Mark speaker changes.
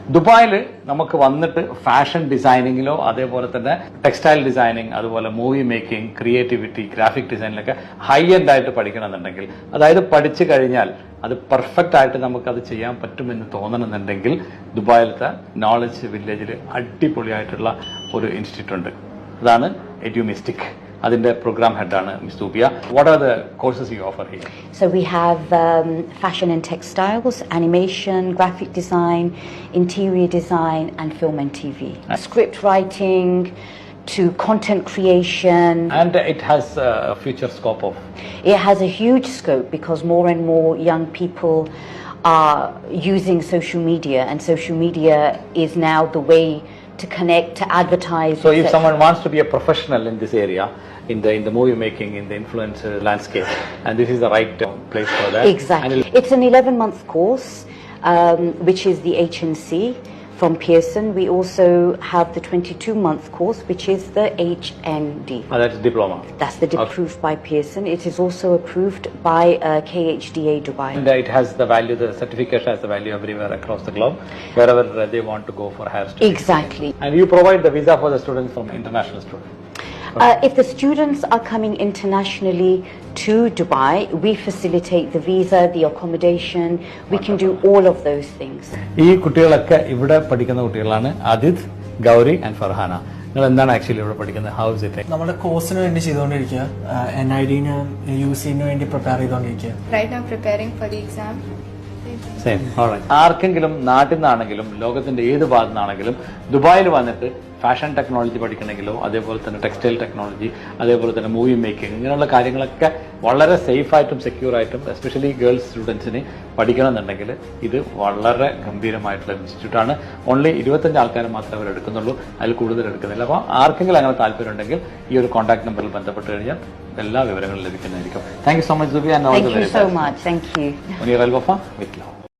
Speaker 1: ദുബായിൽ നമുക്ക് വന്നിട്ട് ഫാഷൻ ഡിസൈനിങ്ങിലോ അതേപോലെ തന്നെ ടെക്സ്റ്റൈൽ ഡിസൈനിങ്, അതുപോലെ മൂവി മേക്കിംഗ്, ക്രിയേറ്റിവിറ്റി, ഗ്രാഫിക് ഡിസൈനിലൊക്കെ ഹൈ എൻഡ് ആയിട്ട് പഠിക്കണമെന്നുണ്ടെങ്കിൽ, അതായത് പഠിച്ചു കഴിഞ്ഞാൽ അത് പെർഫെക്റ്റ് ആയിട്ട് നമുക്കത് ചെയ്യാൻ പറ്റുമെന്ന് തോന്നണമെന്നുണ്ടെങ്കിൽ ദുബായിലത്തെ നോളജ് വില്ലേജിൽ അടിപൊളിയായിട്ടുള്ള ഒരു ഇൻസ്റ്റിറ്റ്യൂട്ട് ഉണ്ട്. അതാണ് എഡ്യൂമിസ്റ്റിക്. അതിന്റെ program head ആണ് Ms. Dubia. What are the courses you offer here?
Speaker 2: So we have fashion and textiles, animation, graphic design, interior design, and film and TV. Script writing to content creation.
Speaker 1: And it has a future scope of?
Speaker 2: It has a huge scope because more and more young people are using social media, and social media is now the way to connect, to advertise.
Speaker 1: So if someone wants to be a professional in this area, in the movie making, in the influencer landscape, and this is the right place for that.
Speaker 2: Exactly. It's an 11-month course, which is the HNC from Pearson. We also have the 22-month course, which is the HND.
Speaker 1: That's diploma.
Speaker 2: That's the approved by Pearson. It is also approved by KHDA Dubai.
Speaker 1: And it has the value, the certification has the value everywhere across the globe, wherever they want to go for higher studies.
Speaker 2: Exactly.
Speaker 1: And you provide the visa for the students from international students.
Speaker 2: If the students are coming internationally to Dubai, we facilitate the visa, the accommodation. We can do all of those things.
Speaker 1: ഈ കുട്ടികളൊക്കെ ഇവിടെ പഠിക്കുന്ന കുട്ടികളാണ്. Adith, Gauri and Farhana. നിങ്ങൾ എന്താണ് actually ഇവിടെ പഠിക്കുന്നത്? How is it?
Speaker 3: നമ്മുടെ കോഴ്സിന് വേണ്ടി ചെയ്തുകൊണ്ടിരിക്കുക. NID-ന് UC-ന് വേണ്ടി പ്രിപ്പയർ ചെയ്തുകൊണ്ടിരിക്കുക.
Speaker 4: Right now preparing for the exam.
Speaker 1: Same. All right. ആർക്കെങ്കിലും നാട്ടിൽ നിന്നാണെങ്കിലും ലോകത്തിന്റെ ഏത് ഭാഗത്തു നിന്നാണെങ്കിലും ദുബായിൽ വന്നിട്ട് ഫാഷൻ ടെക്നോളജി പഠിക്കണമെങ്കിലോ അതേപോലെ തന്നെ ടെക്സ്റ്റൈൽ ടെക്നോളജി, അതേപോലെ തന്നെ മൂവി മേക്കിംഗ്, ഇങ്ങനെയുള്ള കാര്യങ്ങളൊക്കെ വളരെ സേഫായിട്ടും സെക്യൂർ ആയിട്ടും എസ്പെഷ്യലി ഗേൾസ് സ്റ്റുഡൻസിന് പഠിക്കണമെന്നുണ്ടെങ്കിൽ ഇത് വളരെ ഗംഭീരമായിട്ടുള്ള ഇൻസ്റ്റിറ്റ്യൂട്ടാണ്. ഓൺലി 25 ആൾക്കാരെ മാത്രമേ അവർ എടുക്കുന്നുള്ളൂ, അതിൽ കൂടുതൽ എടുക്കുന്നില്ല. അപ്പോൾ ആർക്കെങ്കിലും അങ്ങനെ താല്പര്യം ഉണ്ടെങ്കിൽ ഈ ഒരു കോൺടാക്ട് നമ്പറിൽ ബന്ധപ്പെട്ട് കഴിഞ്ഞാൽ എല്ലാ വിവരങ്ങളും ലഭിക്കുന്നതായിരിക്കും. താങ്ക് യു സോ മച്ച് ദുബിയ.
Speaker 2: Thank you so much. Thank you.
Speaker 1: Muneer Al Wafa with love.